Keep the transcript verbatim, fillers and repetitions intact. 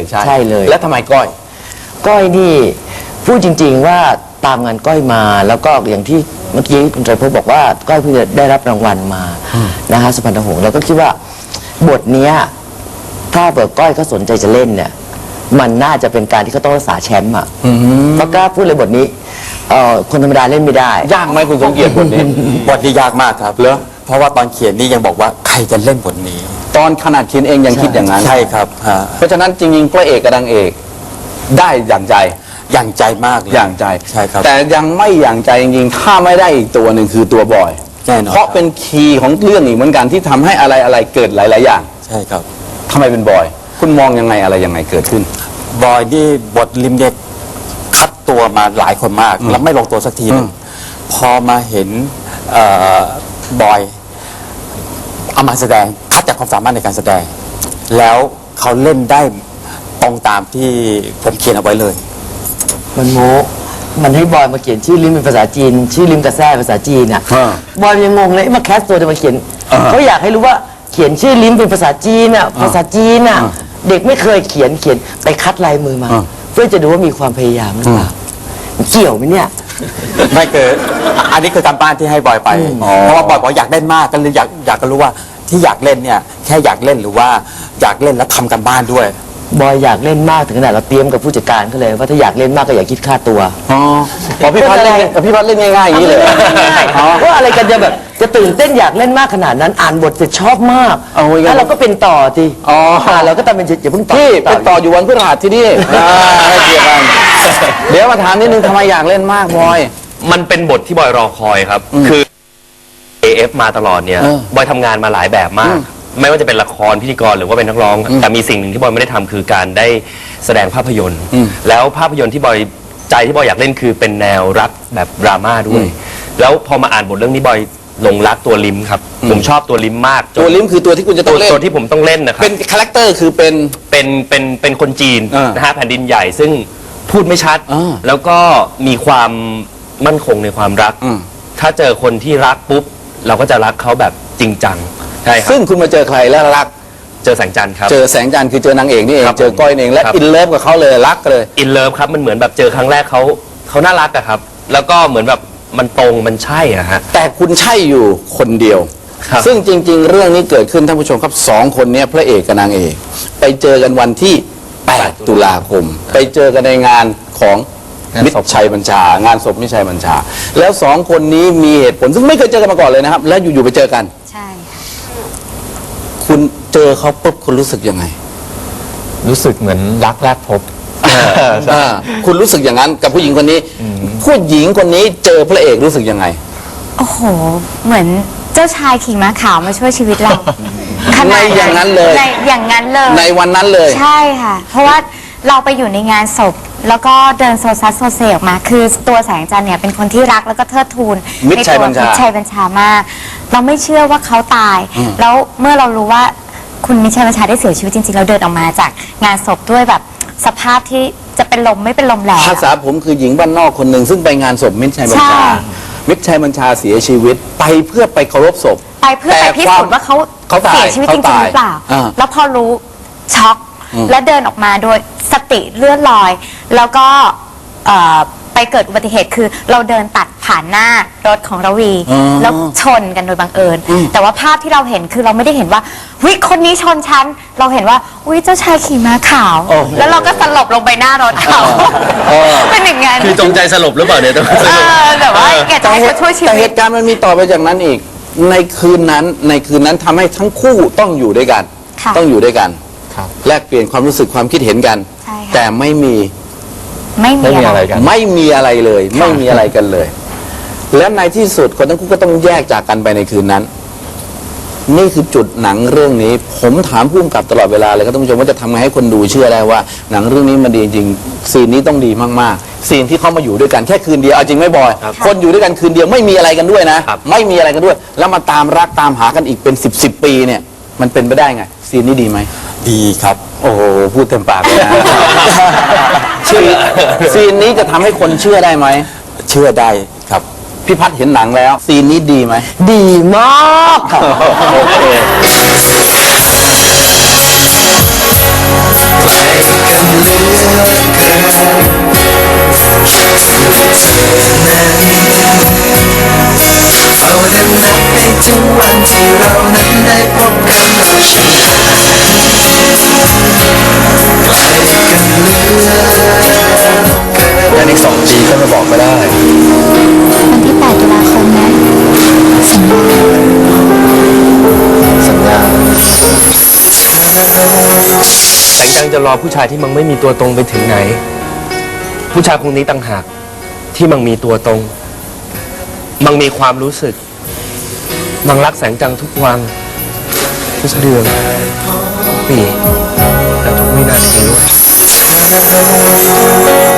ใช่เลยแล้วทำไมก้อยก้อยนี่พูดจริงๆว่าตามงานก้อยมาแล้วก็อย่างที่เมื่อกี้คุณไตรภพบอกว่าก้อยเพิ่งจะได้รับรางวัลมานะคะสุพรรณหงส์แล้วก็คิดว่าบทนี้ถ้าเปิดก้อยเขาสนใจจะเล่นเนี่ยมันน่าจะเป็นการที่เขาต้องรักษาแชมป์อ่ะเพราะกล้าพูดเลยบทนี้เอ่อคนธรรมดาเล่นไม่ได้ยากไหมคุณสมเกียรติบทนี้บทนี้ยากมากครับเหรอเพราะว่าตอนเขียนนี่ยังบอกว่าใครจะเล่นบทนี้ตอนขนาดเขียนเองยังคิดอย่างนั้นใช่ครับเพราะฉะนั้นจริงๆพระเอกกับนางเอกได้อย่างใจอย่างใจมากเลยอย่างใจใช่ครับแต่ยังไม่อย่างใจจริงๆถ้าไม่ได้อีกตัวหนึ่งคือตัวบอยเพราะเป็นคีย์ของเรื่องอีกเหมือนกันที่ทำให้อะไรอะไรเกิดหลายๆอย่างใช่ครับทำไมเป็นบอยคุณมองยังไงอะไรยังไงเกิดขึ้นบอยนี่บทลิมเด็กคัดตัวมาหลายคนมากแล้วไม่ลงตัวสักทีนึงพอมาเห็นบอยเอามาแสดงคัดจากความสามารถในการแสดงแล้วเขาเล่นได้ตรงตามที่ผมเขียนเอาไว้เลยมันโมมันให้บอยมาเขียนชื่อลิมเป็นภาษาจีนชื่อลิมกระแซ่ภาษาจีนอ่ะบอยยังงงเลยมาแคสตัวจะมาเขียนเขาอยากให้รู้ว่าเขียนชื่อลิมเป็นภาษาจีนอ่ะภาษาจีนอ่ะเด็กไม่เคยเขียนเขียนไปคัดลายมือมาเพื่อจะดูว่ามีความพยายามหรือเปล่าเกี่ยวไหมเนี่ยไม่เกิดอันนี้คือการบ้านที่ให้บอยไปเพราะว่าบอยบอกอยากเล่นมากก็เลยอยากอยากจะรู้ว่าที่อยากเล่นเนี่ยแค่อยากเล่นหรือว่าอยากเล่นแล้วทำกันบ้านด้วยบอยอยากเล่นมากถึงขนาดเราเตรียมกับผู้จัดการเขาเลยว่าถ้าอยากเล่นมากก็อย่าคิดค่าตัวอ๋อพอพี่พัดเล่นพี่พัดเล่นง่ายๆอย่างนี้เลยว่าอะไรกันจะแบบจะตื่นเต้นอยากเล่นมากขนาดนั้นอ่านบทเสร็จชอบมากแล้วเราก็เป็นต่อทีอ๋อเราก็ทำเป็นอย่าเพิ่งต่อพี่เป็นต่ออยู่วันพฤหัสที่นี่ให้เกียรติกันเดี๋ยวมาถามนิดนึงทำไมอยากเล่นมากบอยมันเป็นบทที่บอยรอคอยครับคือ เอ เอฟ มาตลอดเนี่ยบอยทำงานมาหลายแบบมากไม่ว่าจะเป็นละครพิธีกรหรือว่าเป็นนักร้องแต่มีสิ่งหนึ่งที่บอยไม่ได้ทำคือการได้แสดงภาพยนตร์แล้วภาพยนตร์ที่บอยใจที่บอยอยากเล่นคือเป็นแนวรักแบบดราม่าด้วยแล้วพอมาอ่านบทเรื่องนี้บอยหลงรักตัวลิมครับผมชอบตัวลิมมากตัวลิมคือตัวที่คุณจะต้องเล่นตัวที่ผมต้องเล่นนะครับเป็นคาแรคเตอร์คือเป็นเป็นเป็นเป็นคนจีนนะฮะแผ่นดินใหญ่ซึ่งพูดไม่ชัดแล้วก็มีความมั่นคงในความรักถ้าเจอคนที่รักปุ๊บเราก็จะรักเขาแบบจริงจังใช่ครับซึ่งคุณมาเจอใครแล้วรักเจอแสงจันทร์ครับเจอแสงจันทร์คือเจอนางเอกนี่เองเจอก้อยเองและอินเลิฟกับเขาเลยรักเลยอินเลิฟครับมันเหมือนแบบเจอครั้งแรกเขาเขาน่ารักอะครับแล้วก็เหมือนแบบมันตรงมันใช่อะฮะแต่คุณใช่อยู่คนเดียวซึ่งจริงๆเรื่องนี้เกิดขึ้นท่านผู้ชมครับสองคนนี้พระเอกกับนางเอกไปเจอกันวันที่แปดตุลาคมไปเจอกันในงานของมิตรชัยบัญชางานศพมิตรชัยบัญชาแล้วสองคนนี้มีเหตุผลซึ่งไม่เคยเจอกันมาก่อนเลยนะครับแล้วอยู่ๆไปเจอกันใช่คุณเจอเขาปุ๊บคุณรู้สึกยังไงรู้สึกเหมือนรักแรกพบคุณรู้สึกอย่างนั้นกับผู้หญิงคนนี้ผู้หญิงคนนี้เจอพระเอกรู้สึกยังไงโอ้โหเหมือนเจ้าชายขี่ม้าขาวมาช่วยชีวิตเราในอย่างนั้นเลยในอย่างนั้นเลยในวันนั้นเลยใช่ค่ะเพราะว่าเราไปอยู่ในงานศพแล้วก็เดินโซซัสโซเซออกมาคือตัวแสงจันทร์เนี่ยเป็นคนที่รักแล้วก็เทิดทูนมิตรชัยบัญชามิตรชัยบัญชามากเราไม่เชื่อว่าเขาตายแล้วเมื่อเรารู้ว่าคุณมิตรชัยบัญชาได้เสียชีวิตจริงๆเราเดินออกมาจากงานศพด้วยแบบสภาพที่จะเป็นลมไม่เป็นลมแล้วภาษาผมคือหญิงบ้านนอกคนหนึ่งซึ่งไปงานศพมิตรชัยบัญชามิตรชัยบัญชาเสียชีวิตไปเพื่อไปเคารพศพไปเพื่อไปพิสูจน์ว่าเขาเสียชีวิตจริงๆหรือเปล่าแล้วพอรู้ช็อกและเดินออกมาโดยสติเลื่อนลอย แล้วก็ไปเกิดอุบัติเหตุคือเราเดินตัดผ่านหน้ารถของระวีแล้วชนกันโดยบังเอิญแต่ว่าภาพที่เราเห็นคือเราไม่ได้เห็นว่าวิคนนี้ชนฉันเราเห็นว่าวิเจ้าชายขี่ม้าขาวแล้วเราก็สลบลงไปหน้ารถเขาเป็นอย่างงั้นคือจงใจสลบหรือเปล่าเนี่ยแต่ว่าแกจะให้เขาช่วยชีวิตแต่เหตุการณ์มันมีต่อไปจากนั้นอีกในคืนนั้นในคืนนั้นทำให้ทั้งคู่ต้องอยู่ด้วยกันต้องอยู่ด้วยกันแลกเปลี่ยนความรู้สึกความคิดเห็นกันแต่ไม่มีไม่มีอะไรกันไม่มีอะไรเลยไม่มีอะไรกันเลยและในที่สุดคนทั้งคู่ก็ต้องแยกจากกันไปในคืนนั้นนี่คือจุดหนังเรื่องนี้ผมถามผู้กำกับตลอดเวลาเลยครับท่านผู้ชมว่าจะทำไงให้คนดูเชื่อได้ว่าหนังเรื่องนี้มันดีจริงซีนนี้ต้องดีมากๆซีนที่เขามาอยู่ด้วยกันแค่คืนเดียวเอาจริงไม่บอยคนอยู่ด้วยกันคืนเดียวไม่มีอะไรกันด้วยนะไม่มีอะไรกันด้วยแล้วมาตามรักตามหากันอีกเป็นสิบสิบปีเนี่ยมันเป็นไปได้ไงซีนนี้ดีไหมดีครับโอ้โหพูดเต็มปากเลยนะซีนนี้จะทำให้คนเชื่อได้ไหมเชื่อได้ครับพี่พัฒน์เห็นหนังแล้วซีนนี้ดีไหมดีมากครับโอเคจะรอผู้ชายที่มันไม่มีตัวตรงไปถึงไหน ผู้ชายคนนี้ต่างหากที่มันมีตัวตรง มันมีความรู้สึก มันรักแสงจังทุกวันทุกเดือนทุกปีและทุกวินาทีด้วย